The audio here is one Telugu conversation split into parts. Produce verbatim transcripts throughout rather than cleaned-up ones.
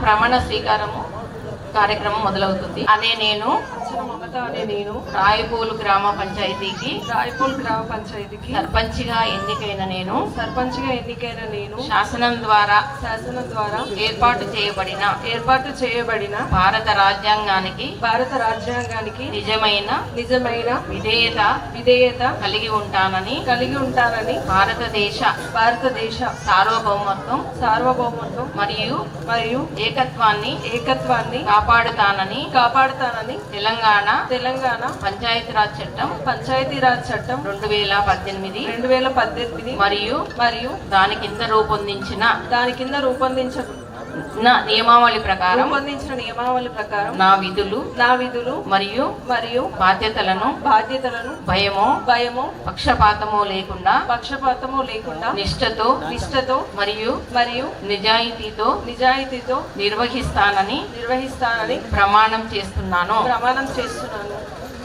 ప్రమాణ స్వీకారము కార్యక్రమం మొదలవుతుంది. అనే నేను అనే నేను రాయపూలు గ్రామ పంచాయతీకి రాయపూల్ గ్రామ పంచాయతీకి సర్పంచ్గా ఎన్నికైన నేను సర్పంచ్గా ఎన్నికైన నేను శాసనం ద్వారా శాసనం ద్వారా ఏర్పాటు చేయబడిన ఏర్పాటు చేయబడిన భారత రాజ్యాంగానికి భారత రాజ్యాంగానికి నిజమైన నిజమైన విధేయత విధేయత కలిగి ఉంటానని కలిగి ఉంటానని భారతదేశ భారతదేశ సార్వభౌమత్వం సార్వభౌమత్వం మరియు మరియు ఏకత్వాన్ని ఏకత్వాన్ని కాపాడుతానని కాపాడుతానని తెలంగాణ తెలంగాణ పంచాయతీరాజ్ చట్టం పంచాయతీరాజ్ చట్టం రెండు వేల పద్దెనిమిది రెండు వేల పద్దెనిమిది మరియు మరియు దాని కింద రూపొందించిన దాని కింద రూపొందించిన నా నియమావళి ప్రకారం రూపొందించిన నియమావళి ప్రకారం నా విధులు నా విధులు మరియు మరియు బాధ్యతలను బాధ్యతలను భయమో భయము పక్షపాతమో లేకుండా పక్షపాతము లేకుండా నిష్ఠతో నిష్ఠతో మరియు మరియు నిజాయితీతో నిజాయితీతో నిర్వహిస్తానని నిర్వహిస్తానని ప్రమాణం చేస్తున్నాను. ప్రమాణం చేస్తున్నాను.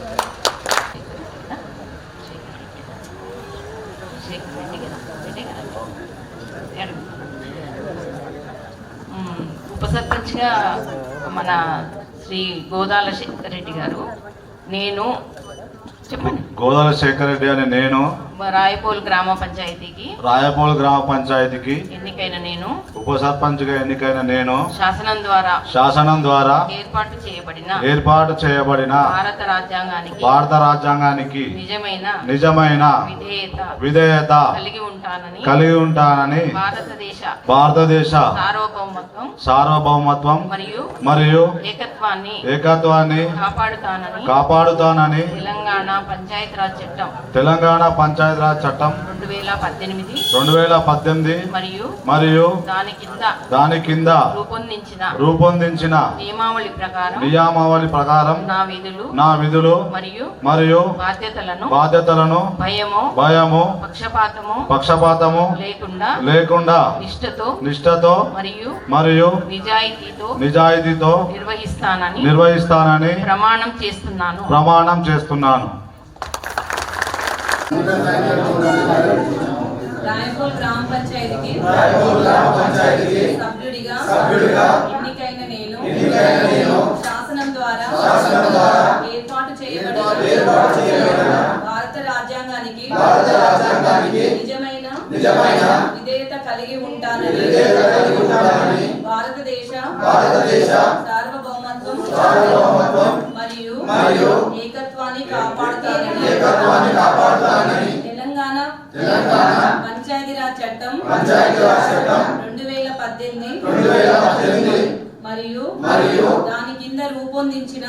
ఉప సర్పంచ్గా మన శ్రీ గోదాల శేఖర్ రెడ్డి గారు, నేను చెప్పండి. గోదాల శేఖర్ రెడ్డి అనే నేను రాయపూల్ గ్రామ పంచాయతీకి రాయపూల్ గ్రామ పంచాయతీకి ఎన్నికైన నేను ఉప సర్పంచ్ గా ఎన్నికైన నేను శాసనం ద్వారా శాసనం ద్వారా ఏర్పాటు చేయబడిన ఏర్పాటు చేయబడిన భారత రాజ్యాంగానికి భారత రాజ్యాంగానికి నిజమైన నిజమైన విధేయత విధేయత కలిగి ఉంటానని కలిగి ఉంటానని భారతదేశ భారతదేశ సార్వభౌమత్వం సార్వభౌమత్వం మరియు మరియు ఏకత్వాన్ని ఏకత్వాన్ని కాపాడుతానని కాపాడుతానని తెలంగాణ పంచాయతీరాజ్ చట్టం తెలంగాణ పంచాయతీరాజ్ చట్టం రెండు వేల పద్దెనిమిది రెండు వేల పద్దెనిమిది మరియు మరియు దాని కింద దాని కింద రూపొందించిన రూపొందించిన నియమావళి ప్రకారం నియామావళి ప్రకారం నా విధులు నా విధులు మరియు మరియు బాధ్యతలను బాధ్యతలను భయము భయము పక్షపాతము పక్షపాతము లేకుండా లేకుండా నిష్ఠతో నిష్ఠతో మరియు మరియు నిజాయితీతో నిజాయితీతో నిర్వహిస్తానని నిర్వహిస్తానని ప్రమాణం చేస్తున్నాను. ప్రమాణం చేస్తున్నాను. రాయపూల్ గ్రామ పంచాయతీకి సభ్యుడిగా ఎన్నికైన నేను శాసనం ద్వారా ఏర్పాటు చేయబడిన భారత రాజ్యాంగానికి నిజమైన విధేయత కలిగి ఉంటానని భారతదేశ సార్వభౌమత్వం మరియు ఏకత్వాన్ని కాపాడుతానని తెలంగాణ పంచాయతీరాజ్ చట్టం రెండు వేల పద్దెనిమిది మరియు దాని కింద రూపొందించిన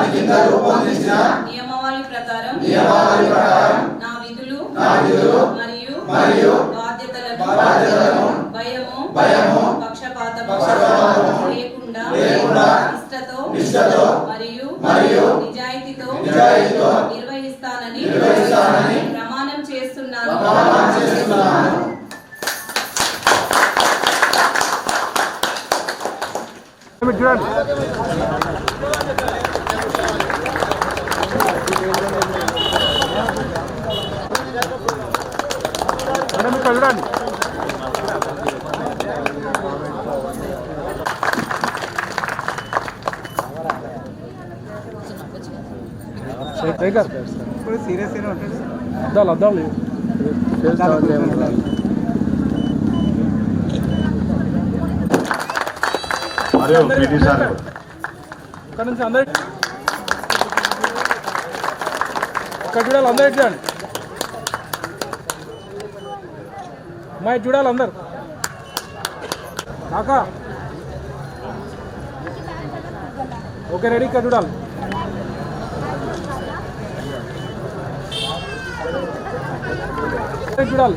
నియమావళి ప్రకారం నా విధులు మరియు బాధ్యతలను భయము పక్షపాతము లేకుండా నిష్ఠతో మరియు నిజాయితీతో నిర్వహిస్తానని ప్రమాణం చేస్తున్నాను. సీరియస్ అద్దాలు అద్దాలు మరియు పీటీ సార్ ఇక్కడ నుంచి అందరు ఇక్కడ చూడాలి, అందరు చూడండి, అమ్మాయి చూడాలి అందరు. కాకా ఓకే రెడీ, ఇక్కడ చూడాలి. చూడాలి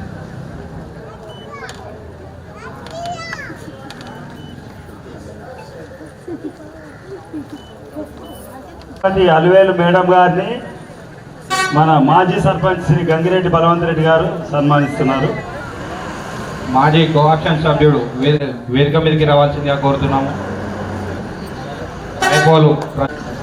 అలివేలు మేడం గారిని మన మాజీ సర్పంచ్ శ్రీ గంగిరెడ్డి బలవంత్ రెడ్డి గారు సన్మానిస్తున్నారు. మాజీ కోఆప్షన్ సభ్యుడు వేదిక మీదకి రావాల్సిందిగా కోరుతున్నాము.